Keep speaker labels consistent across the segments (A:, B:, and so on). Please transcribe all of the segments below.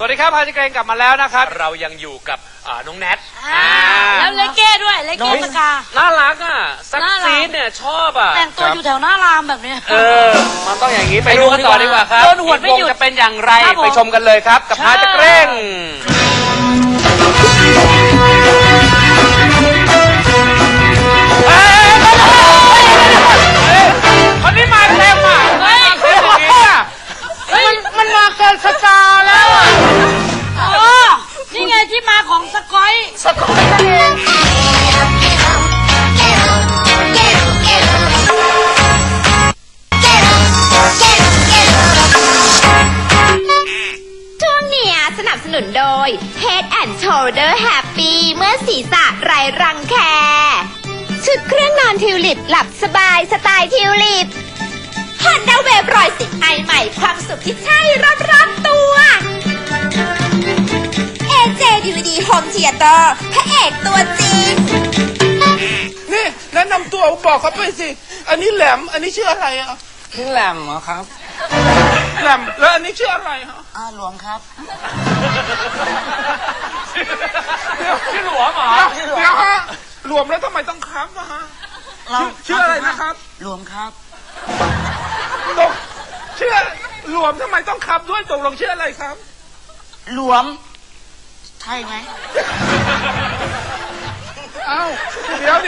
A: ดีครับพาจิเกรงกลับมาแล้วนะครับเรายังอยู่กับน้องแนท
B: แล้วเลเก้ด้วยเลเก้สกา
A: น่ารักอ่ะซักซีดเนี่ยชอบอ่ะ
B: แต่งตัวอยู่แถวหน้ารามแบบนี้
A: มันต้องอย่างนี้ไปดูกันต่อดีกว่าครับ
B: หวดไม่หยุด
A: จะเป็นอย่างไรไปชมกันเลยครับกับพาจิเกรงคนนี้มาเต็มอ่ะ
B: มันมาเกินสกาแล้วอ่ะนี่ไงที่มาของสกอยนั่นเอง
C: ช่วงนี้สนับสนุนโดย Head and Shoulder Happy เมื่อศีรษะไร้รังแคชุดเครื่องนอนทิวลิปหลับสบายสไตล์ทิวลิปHonda Wave 110 ไอใหม่ความสุขที่ใช่รอบๆตัว AJ DVD Home Theater พระเอกตัวจริง
D: นี่แนะนำตัวบอกเขาไปสิอันนี้แหลมอันนี้ชื่ออะไรอ่ะ
E: ชื่อแหลมเหรอครับ
D: แหลมแล้วอันนี้ชื่ออะไรฮะ
E: หลวงครับ
A: ชื่อหลวงเหรอ
D: เดี๋ยวฮะหลวมแล้วทำไมต้องครับนะฮะชื่ออะไรนะครับ
E: หลวงครับ
D: ตกชื่อหลวมทำไมต้องครับด้วยตกลงชื่ออะไรครับ
E: หลวมใช่ไหม
D: เอ้าเดี๋ยว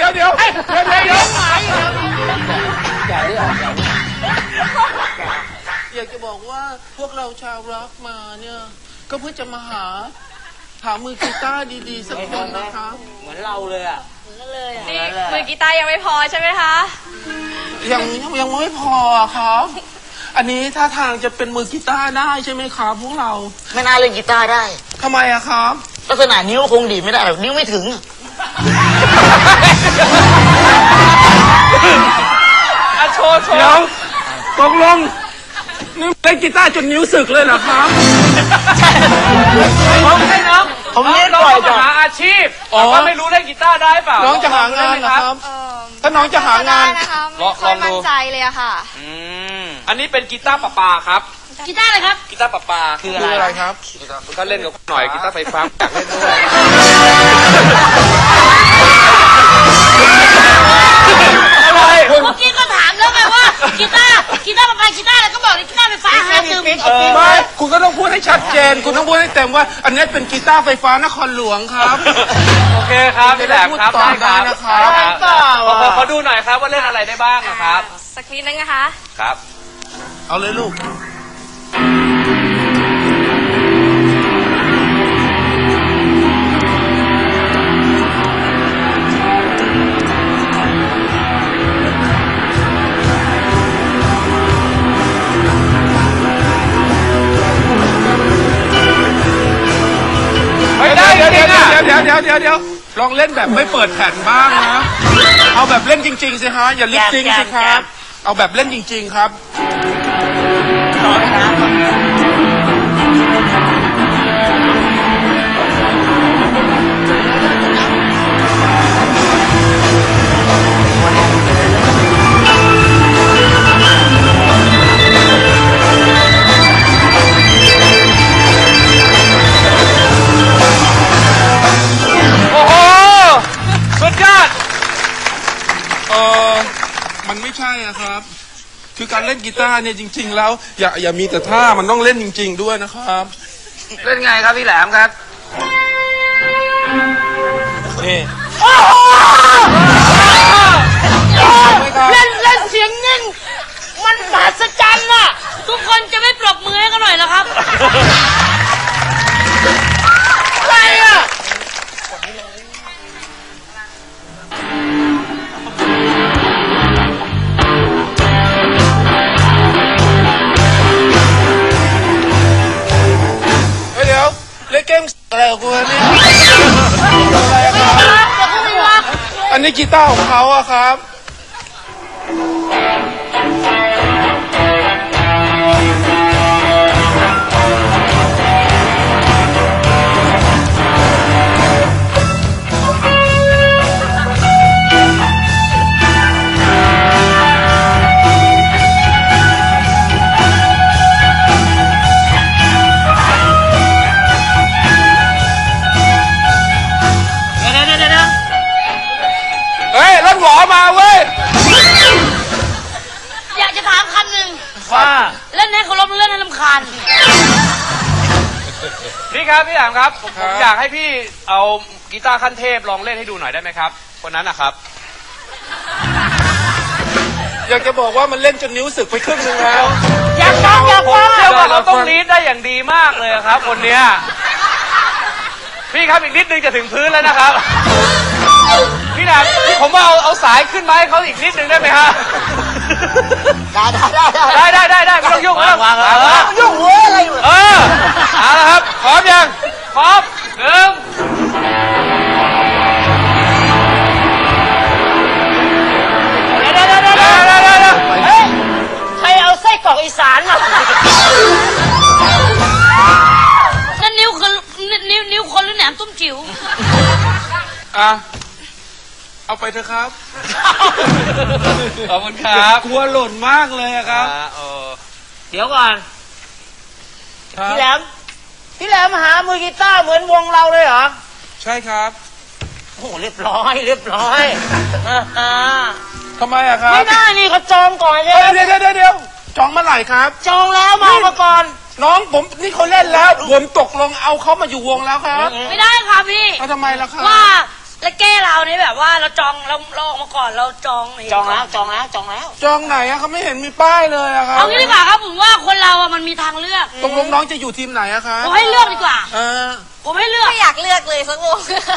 D: อยากจะบอกว่าพวกเราชาวร็อกมาเนี่ยก็เพื่อจะมาหามือกีตาร์ดีๆสักคนนะคะ
E: เหมือนเราเลยอ่ะ
C: นี่มือกีตาร์ยังไม่พอใช่ไหมคะ
D: ยังไม่พอครับอันนี้ท่าทางจะเป็นมือกีตาร์ได้ใช่ไหมครับพวกเรา
E: ไม่น่าเล่นกีตาร์ได้
D: ทำไมอะครับ
E: ลักษณะนิ้วคงดีไม่ได้หรอกนิ้วไม่ถึง
D: โชว์เดี๋ยวตกลงนี่เล่นกีตาร์จนนิ้วสึกเลยเหรอครับ
A: ให้น้อง
E: ผมเล่นบ่อยจัง
A: หาอาชีพว่าไม่รู้เล่นกีตาร์ได้เปล่า
D: น้องจะหางานนะครับถ้าน้องจะหางาน
C: ไม่ค่อยมั่นใจเลยอะค่ะ
A: อันนี้เป็นกีตาร์ปาครับ
B: กีตาร์อะไรครับ
A: กีตาร์ปา
D: คืออะไรครับ
A: ก็เล่นกับหน่อยกีตาร์ไฟฟ้าอยากเล่นด้วย
B: อะไรเมื่อกี้ก็ถามแล้วไงว่ากีตาร์ปากีตาร์อะไรก็บอกเลยกีตาร์ไฟฟ้าหาซื้อ
D: ไม่คุณก็ต้องพูดให้ชัดเจนคุณต้องพูดให้เต็มว่าอันนี้เป็นกีตาร์ไฟฟ้านครหลวงครับ
A: โอเคครับพี่แหลมครับ
D: ได้นะครับ
A: ขอดูหน่อยครับว่าเล่นอะไรได้บ้างนะครับ
C: สักนิดนึงนะคะ
A: ครับ
D: เอาเลยลูกเดี๋ยวลองเล่นแบบไม่เปิดแผ่นบ้างนะเอาแบบเล่นจริงๆสิฮะอย่าลิปซิงค์สิครับเอาแบบเล่นจริงๆครับมันไม่ใช่อะครับคือการเล่นกีตาร์เนี่ยจริงๆแล้วอย่ามีแต่ท่ามันต้องเล่นจริงๆด้วยนะครับ
A: เล่นไงครับพี่แหลมครับ
D: นี่
B: เล่นเสียงนิ่งมันมหัศจรรย์น่ะทุกคนจะไม่ปรบมือให้กันหน่อยเหรอครับอะไรอ่ะ
D: เล่นเกมอะไรของคุณนี่อันนี้กีตาร์ของเขาอะครับมาเว้ย
B: อยากจะถามคำหนึ่ง
A: ว่า
B: เล่นให้เคารพเล่นให้รำคาญ
A: พี่ครับพี่แหลมครับผมอยากให้พี่เอากีตาร์ขั้นเทพลองเล่นให้ดูหน่อยได้ไหมครับคนนั้นนะครับ
D: อยากจะบอกว่ามันเล่นจนนิ้วสึกไปครึ่งนึงแล้ว
B: อยากฟังอยาก
A: ผม
B: ฟัง
A: เชื่อว่าเขาต้องลีดได้อย่างดีมากเลยครับ คนเนี้ยพี่ครับอีกนิดนึงจะถึงพื้นแล้วนะครับ พี่แหลมผมว่าเอาสายขึ้นมาให้เขาอีกนิดนึงได้ไหมฮะ ได้ไม่ต้องยุ่งไม่ต้อง
E: ยุ่งเว้ยอะไรอยู่
A: เอาละครับพร้อมยังพร้อมหนึ่ง
B: ใครเอาไส้กรอกอีสานมานั่นนิ้วคนหรือแหนมตุ้มจิ๋ว
D: อ่ะ เอาไปเถอะครับ
A: ขอบคุณครับ
D: กลัวหล่นมากเลยอะครับ
B: เดี๋ยวก่อน
D: พี่
B: พี่แหลมหามือกีตาร์เหมือนวงเราเลยเหรอ
D: ใช่ครับ
B: โอ้เรียบร้อย
D: ทำไมอะครับ
B: ไม่ได้นี่เขาจองก่อนเลย
D: เดี๋ยวจองเมื่อไหร่ครับ
B: จองแล้วมาก่อน
D: น้องผมนี่เขาเล่นแล้วผมตกลงเอาเขามาอยู่วงแล้วครับ
B: ไม่ได้ค่ะพี่
D: เขาทำไมล่ะครับ
B: ว่าแล้วแก้เรานี่แบบว่าเราจองเราออกมาก่อนเราจองแล้ว
D: จองไหนอะเขาไม่เห็นมีป้ายเลยอะครับ
B: เอางี้ดีกว่าครับผมว่าคนเราอะมันมีทางเลือก
D: ตกลงน้องจะอยู่ทีมไหนอะครับ
B: ผมให้เลือกดีกว่า ผมให้เลือก
C: ไม่อยากเลือกเลยสักวง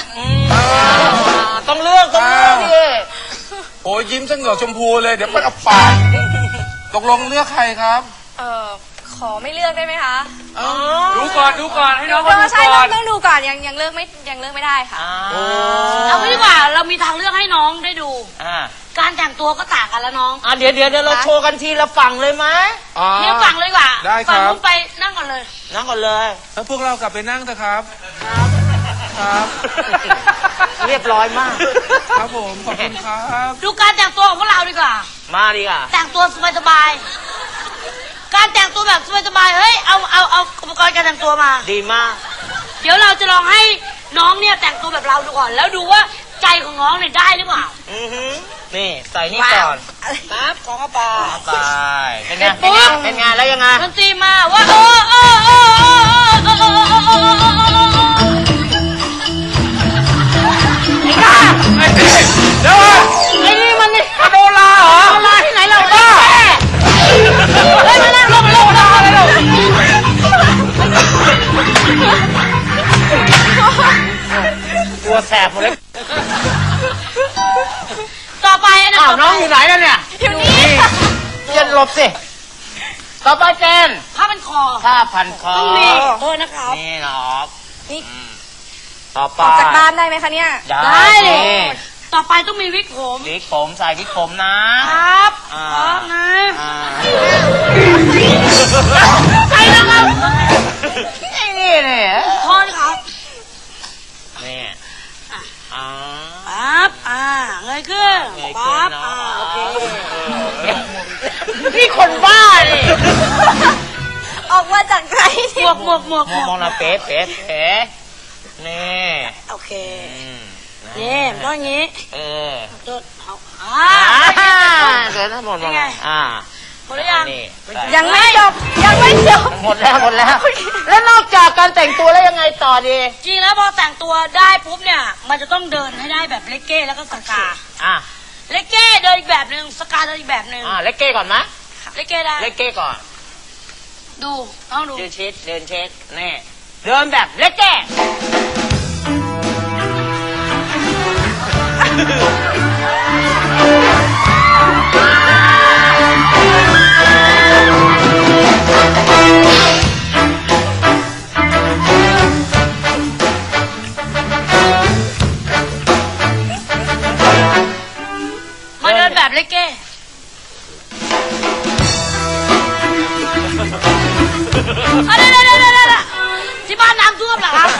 B: ต้องเลือกดิ
D: โอ้ยยิ้มซะเหงือกชมพูเลยเดี๋ยวมันเอาปากตกลงเลือกใครครับ
C: ขอไม่เลือกได้ไหมคะ
A: ดูก่อนให้น้อง
C: ใช่
A: เขาดูก่อน
C: ต้องดูก่อนยังเลือกไม่ได้ค่ะ
B: เอางี้ดีกว่าเรามีทางเลือกให้น้องได้ดูการแต่งตัวก็ต่างกันแล้วน้องเดี๋ยวเราโชว์กันทีละฝั่งเลยไหมทีละฝั่งเลยดีกว่า
D: ได้ครับ
B: ฝั่งนู้นไปนั่งก่อนเลย
D: แล้วพวกเรากลับไปนั่งเถอะครับ ครับ
B: เรียบร้อยมาก
D: ครับผมขอบคุณครับ
B: ดูการแต่งตัวของพวกเราดีกว่าแต่งตัวสบายๆการแต่งตัวแบบสบายๆเฮ้ยเอาอุปกรณ์การแต่งตัวมาดีมาก เดี๋ยวเราจะลองให้น้องเนี่ยแต่งตัวแบบเราดูก่อนแล้วดูว่าใจของน้องเนี่ยได้หรือเปล่า
F: นี่ใส่นี่ก่อน
B: ปั๊บของเข้าไป
F: เป็นไงแล้วยังไง
B: ดนตรีมาว่า
A: เดี๋ยว
B: ไอ้นี่มันนี่
A: โดราเหรอ
B: โดราที่ไหนเราบ้าเฮ้ยมานั่งลงอะไรเรา
F: ตัวแสบหมดเลย
B: ต่อไปนะ
F: น้องอยู่ไหนแล้วเนี่ยอยู่นี่เจนหลบสิต่อไปเจน
B: ผ้าพันคอ
F: ผ้าพันคอ
B: ต้องมีโทษนะครับ
F: นี่เนาะต่อไป
C: ออกจากบ้านได้ไหมคะเนี่ย
B: ได้เลยต่อไปต้องมีวิกผม
F: วิกผมใส่วิกผมนะครับ
B: พร้อมนะใส่แล้วครับ
F: นี่เนี่ย
B: โทษครับ
F: นี่
B: ปั๊บเงยขึ้นปั๊บโอเคนี่คนบ้าดิ
C: ออกมาจากไหน
B: หมวก
F: มองนะเป๊ะนี่
B: โอเคนี่ต้องอย่างนี้เดินเอา
F: เดี๋ยวทั้งหมด
B: หมดหรือยัง
C: ยังไม่จบ
F: หมดแล้ว แล้วนอกจากการแต่งตัวแล้วยังไงต่อดี
B: จริงแล้วพอแต่งตัวได้ปุ๊บเนี่ยมันจะต้องเดินให้ได้แบบเลกเก้แล้วก็สกาเลกเก้เดินอีกแบบหนึ่งสกาเดินอีกแบบหนึ่ง
F: เลกเก้ก่อนไหม
B: เลกเก้ได้
F: เลกเก้ก่อน
B: ดูต้องดู
F: เดินเช็คนี่เดินแบบเลกเก้
B: มาเดินแบบเลกเก้ที่บ้านน้ำท่วมเหรอครับ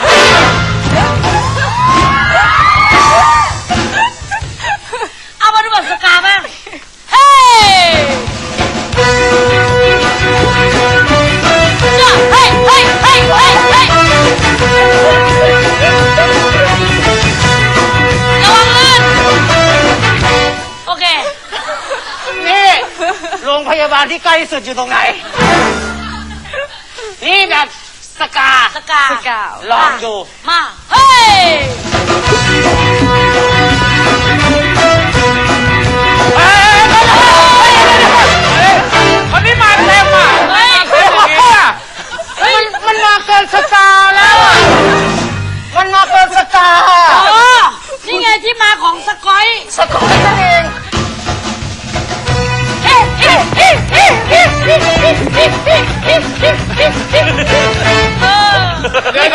B: เอามาดูแบบสกาบ้างเฮ้ระวังลื่น
F: าบาลที่ใกล้ที่สุดอยู่ตรงไหน นี่แบบสกา
B: สกา
F: ลองดู
B: มา เฮ้ย
A: คนนี้มาเต็มอ่ะมาเต็มอย่างนี้อ่ะ
F: มันมาเกินสกาแล้วอะมันมาเกินสกา
B: อ๋อ นี่ไงที่มาของสกอย
F: สกอยนั่นเอง
D: เดี๋ยว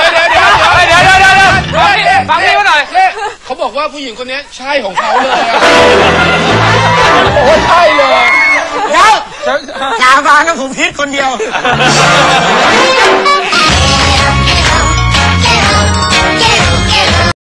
A: ฟังพี่มาหน่อย
D: เขาบอกว่าผู้หญิงคนนี้ใช่ของเขาเลยอะโอ้ใช่เลย
F: เดี๋ยวชาวบ้านกับผมพิษคนเดียว